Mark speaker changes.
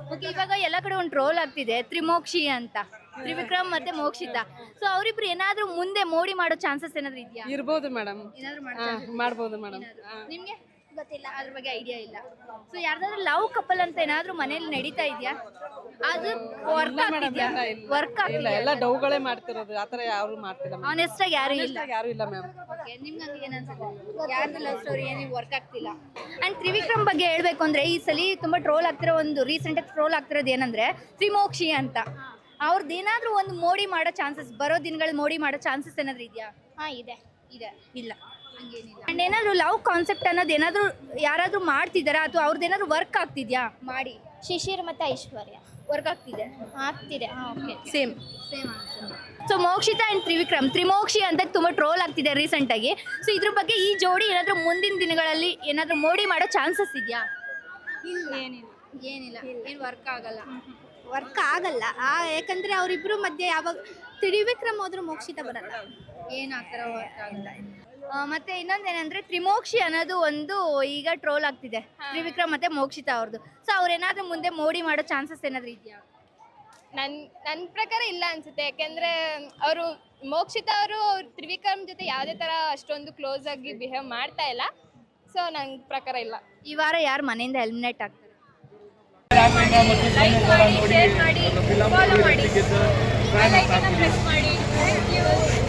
Speaker 1: Okay, ಇವಾಗ ಎಲ್ಲ ಕಡೆ ಒಂದು ಟ್ರೋಲ್ ಆಗ್ತಿದೆ ತ್ರಿಮೋಕ್ಷಿ ಅಂತ, ತ್ರಿವಿಕ್ರಮ್ ಮತ್ತೆ ಮೋಕ್ಷಿತಾ. ಸೊ ಅವರಿಬ್ರು ಏನಾದ್ರೂ ಮುಂದೆ ಮೋಡಿ ಮಾಡೋ ಚಾನ್ಸಸ್ ಏನಾದ್ರು ಇದೆಯಾ?
Speaker 2: ಇರ್ಬೋದು ಮೇಡಮ್,
Speaker 1: ಏನಾದ್ರು
Speaker 2: ಮಾಡ್ಬೋದು ಮೇಡಮ್.
Speaker 1: ನಿಮ್ಗೆ ಗೊತ್ತಿಲ್ಲ, ಅದ್ರ ಬಗ್ಗೆ ಐಡಿಯಾ ಇಲ್ಲ. ಸೊ ಯಾರ್ದಾದ್ರು ಲವ್ ಕಪಲ್ ಅಂತ ಏನಾದ್ರು ಮನೇಲಿ ನಡೀತಾ ಇದೆಯಾ? ಅದು ವರ್ಕ್ ಆಗ್ತಿದ್ಯಾ? ವರ್ಕ್
Speaker 2: ಇಲ್ಲ, ಎಲ್ಲ ಡೌಗಳೇ ಮಾಡ್ತಿರೋದು, ಆತರ ಯಾರು ಮಾಡ್ತಿಲ್ಲ.
Speaker 1: ಆನೆಸ್ಟ್ ಆಗಿ ಯಾರು ಇಲ್ಲ.
Speaker 2: ಯಾರು ಇಲ್ಲ ಮ್ಯಾಮ್.
Speaker 1: ನಿಮ್ಗೆ ಹಂಗೆ ಏನನ್ಸುತ್ತೆ? ಯಾರ್ದು ಲವ್ ಸ್ಟೋರಿ ಏನು ವರ್ಕ್ ಆಗ್ತಿಲ್ಲ? ಅಂಡ್ ತ್ರಿವಿಕ್ರಮ್ ಬಗ್ಗೆ ಹೇಳ್ಬೇಕು ಅಂದ್ರೆ ಈ ಸಲ ತುಂಬಾ ಟ್ರೋಲ್ ಆಗ್ತಿರೋ ಒಂದು ರೀಸೆಂಟ್ ಆಗಿ ಟ್ರೋಲ್ ಆಗ್ತಿರೋದು ಏನಂದ್ರೆ ತ್ರಿಮೋಕ್ಷಿ ಅಂತ. ಅವ್ರದ್ದು ಏನಾದ್ರೂ ಒಂದು ಮೋಡಿ ಮಾಡೋ ಚಾನ್ಸಸ್, ಬರೋ ದಿನಗಳು ಮೋಡಿ ಮಾಡೋ ಚಾನ್ಸಸ್ ಏನಾದ್ರು ಇದೆಯಾ?
Speaker 3: ಇದೆ.
Speaker 1: ಇಲ್ಲ, ಹಂಗೇನಿಲ್ಲ. ಅಂಡ್ ಏನಾದ್ರು ಲವ್ ಕಾನ್ಸೆಪ್ಟ್ ಅನ್ನೋದು ಏನಾದ್ರು ಯಾರಾದ್ರೂ ಮಾಡ್ತಿದ್ದಾರಾ ಅಥವಾ ಅವ್ರದ್ದು ಏನಾದ್ರು ವರ್ಕ್ ಆಗ್ತಿದ್ಯಾ? ಮಾಡಿ
Speaker 3: ಶಿಶಿರ್ ಮತ್ತೆ ಐಶ್ವರ್ಯ
Speaker 1: ವರ್ಕ್ ಆಗ್ತಿದೆ.
Speaker 3: Okay,
Speaker 1: same. So Mokshitha and Trimokshi ಅಂತ ತುಂಬಾ ಟ್ರೋಲ್ ಆಗ್ತಿದೆ ರೀಸೆಂಟ್ ಆಗಿ. ಸೊ ಇದ್ರ ಬಗ್ಗೆ ಈ ಜೋಡಿ ಏನಾದ್ರು ಮುಂದಿನ ದಿನಗಳಲ್ಲಿ ಏನಾದ್ರು ಮೋಡಿ ಮಾಡೋ ಚಾನ್ಸಸ್ ಇದೆಯಾ? ಏನಿಲ್ಲ, ಏನು ವರ್ಕ್ ಆಗಲ್ಲ.
Speaker 3: ವರ್ಕ್ ಆಗಲ್ಲ. ಯಾಕಂದ್ರೆ ಅವರಿಬ್ರು ಮಧ್ಯೆ ಯಾವಾಗ ತ್ರಿವಿಕ್ರಮ್ ಹೋದ್ರು ಮೋಕ್ಷಿತ ಬರಲ್ಲ.
Speaker 1: ಏನಾಗ್ತಾರ ವರ್ಕ್ ಆಗಲ್ಲ. ಮತ್ತೆ ಇನ್ನೊಂದೇನಂದ್ರೆ ತ್ರಿಮೋಕ್ಷಿ ಅನ್ನೋದು ಒಂದು ಈಗ ಟ್ರೋಲ್ ಆಗ್ತಿದೆ, ತ್ರಿವಿಕ್ರಮ್ ಮತ್ತೆ ಮೋಕ್ಷಿತಾ ಅವ್ರದ್ದು. ಸೊ ಅವ್ರೇನಾದ್ರೂ ಮುಂದೆ ಮೋಡಿ ಮಾಡೋ ಚಾನ್ಸಸ್ ಏನಾದ್ರು ಇದೆಯಾ?
Speaker 4: ನನ್ನ ಪ್ರಕಾರ ಇಲ್ಲ ಅನ್ಸುತ್ತೆ. ಯಾಕೆಂದ್ರೆ ಅವರು ಮೋಕ್ಷಿತಾ ಅವರು ತ್ರಿವಿಕ್ರಮ್ ಜೊತೆ ಯಾವುದೇ ತರ ಅಷ್ಟೊಂದು ಕ್ಲೋಸ್ ಆಗಿ ಬಿಹೇವ್ ಮಾಡ್ತಾ ಇಲ್ಲ. ಸೊ ನನ್ನ ಪ್ರಕಾರ ಇಲ್ಲ.
Speaker 1: ಈ ವಾರ ಯಾರು ಮನೆಯಿಂದ ಎಲಿಮಿನೇಟ್ ಆಗ್ತಾರೆ?
Speaker 4: ಶೇರ್ ಮಾಡಿ, ಫಾಲೋ ಮಾಡಿ, ಬೆಲ್ ಐಕಾನ್ ಪ್ರೆಸ್ ಮಾಡಿ. Thank you.